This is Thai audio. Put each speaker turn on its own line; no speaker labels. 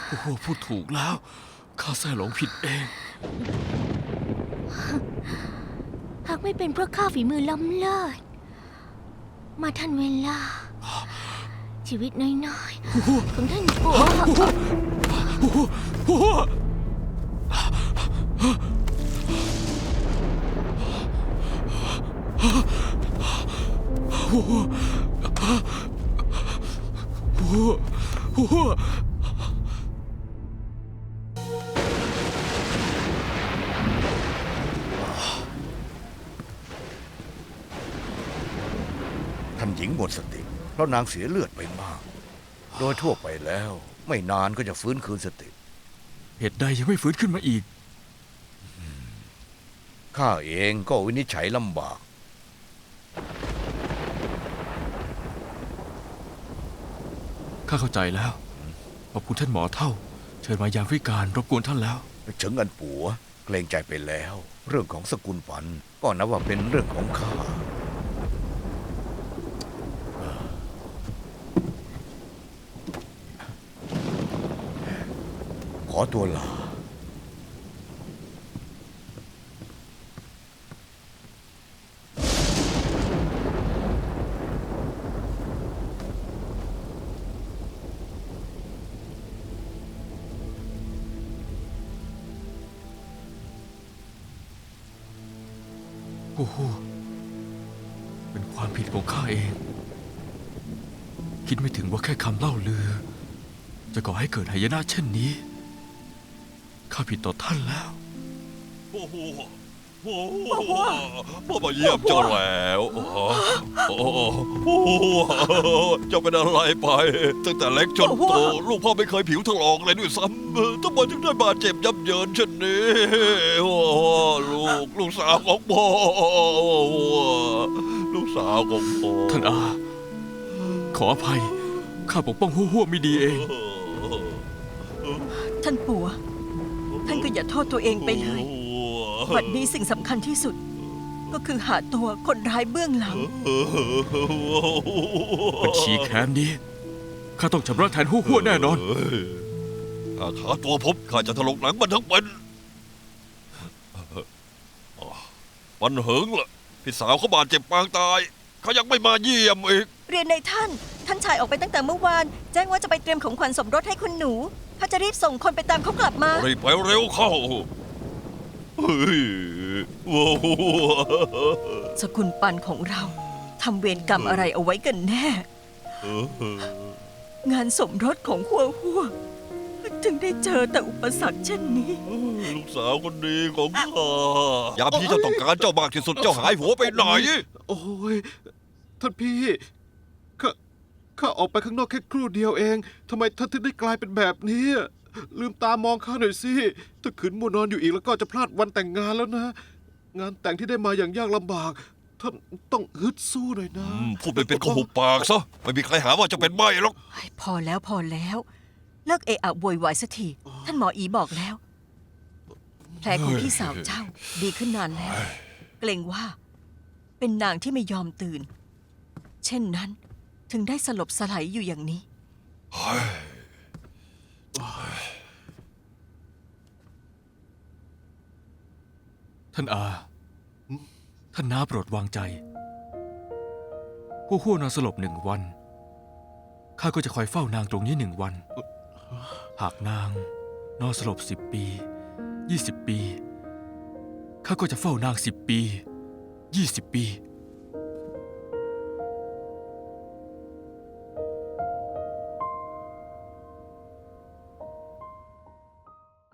โอ้โหพูดถูกแล้วข้าแท้หลงผิดเอง
หากไม่เป็นเพราะข้าฝีมือล้ำเลิศมาทันเวลา ชีวิตน้อยๆของท่านปู่
ท่านหญิงหมดสติเพราะนางเสียเลือดไปมาก โดยทั่วไปแล้ว ไม่นานก็จะฟื้นคืนสติ
เหตุใดยังไม่ฟื้นขึ้นมาอีก
ข้าเองก็วินิจฉัยลำบาก
ข้าเข้าใจแล้วขอบคุณท่านหมอเท่า เชิญมายามวิการรบกวนท่านแล้ว
เฉิงอันปัวเกรงใจไปแล้ว เรื่องของสกุลปันก็นับว่าเป็นเรื่องของข้า ขอตัวลา
โอ้โหเป็นความผิดของข้าเอง คิดไม่ถึงว่าแค่คำเล่าลือ จะก่อให้เกิดหายนะเช่นนี้ ข้าผิดต่อท่านแล้ว
โอ้โหโอ้โหพ่อมาเยี่ยมเจ้าแล้วโอ้โหโอ้โหเจ้าเป็นอะไรไป ตั้งแต่เล็กจนโต ลูกพ่อไม่เคยผิวถลอกเลยด้วยซ้ำทำไมถึงได้บาดเจ็บยับเยินเช่นนี้โอ้ลูกสาวของพ่อลูกสาวของพ่อ
ท่านอา ขออภัย ข้าปกป้องหัวไม่ดีเอง
ท่านปู่ท่านก็อย่าโทษตัวเองไปเลยวันนี้สิ่งสำคัญที่สุด ก็คือหาตัวคนร้ายเบื้องหลัง
บัญชีแค้นนี้ ข้าต้องชำระแทนหัวแน่นอน
ถ้าขาตัวผมข้าจะถลกหนังมันทั้งเป็นวันเหิงล่ะพี่สาวเขาบาดเจ็บปางตายเขายังไม่มาเยี่ยมอีก
เรียนในท่านชายออกไปตั้งแต่เมื่อวาน แจ้งว่าจะไปเตรียมของขวัญสมรสให้คุณหนูข้าจะรีบส่งคนไปตามเขากลับมา
รีบไปเร็วเข้าเฮ้ยโอ้โห
สกุลปันของเราทำเวรกรรมอะไรเอาไว้กันแน่ งานสมรสของหัวจึงได้เจอแต่อุปสรรคเช่นนี้
ลูกสาวคนดีของข้ายามที่เจ้าต้องการเจ้ามากที่สุดเจ้าหายหัวไปไหน
โอ้ยท่านพี่ข้าออกไปข้างนอกแค่ครู่เดียวเองทำไมท่านถึงได้กลายเป็นแบบนี้ ลืมตามองข้าหน่อยสิถ้าขืนมัวนอนอยู่อีกแล้วก็จะพลาดวันแต่งงานแล้วนะ งานแต่งที่ได้มาอย่างยากลำบากท่านต้องฮึดสู้หน่อยนะ
พูดไปเป็นก็หุบปากซะไม่มีใครหาว่าเจะเป็นใบ้หรอก
พอแล้วเลิกเอะอะโวยวายสักทีท่านหมออีบอกแล้ว แผลของพี่สาวเจ้าดีขึ้นนานแล้ว เกรงว่า เป็นนางที่ไม่ยอมตื่น เช่นนั้นถึงได้สลบสลายอยู่อย่างนี้
ท่านอา ท่านน้าโปรดวางใจหัวนอนสลบ1 วัน ข้าก็จะคอยเฝ้านางตรงนี้1 วัน หากนางนอนสลบ10 ปี20 ปี ข้าก็จะเฝ้านาง10 ปี20 ปี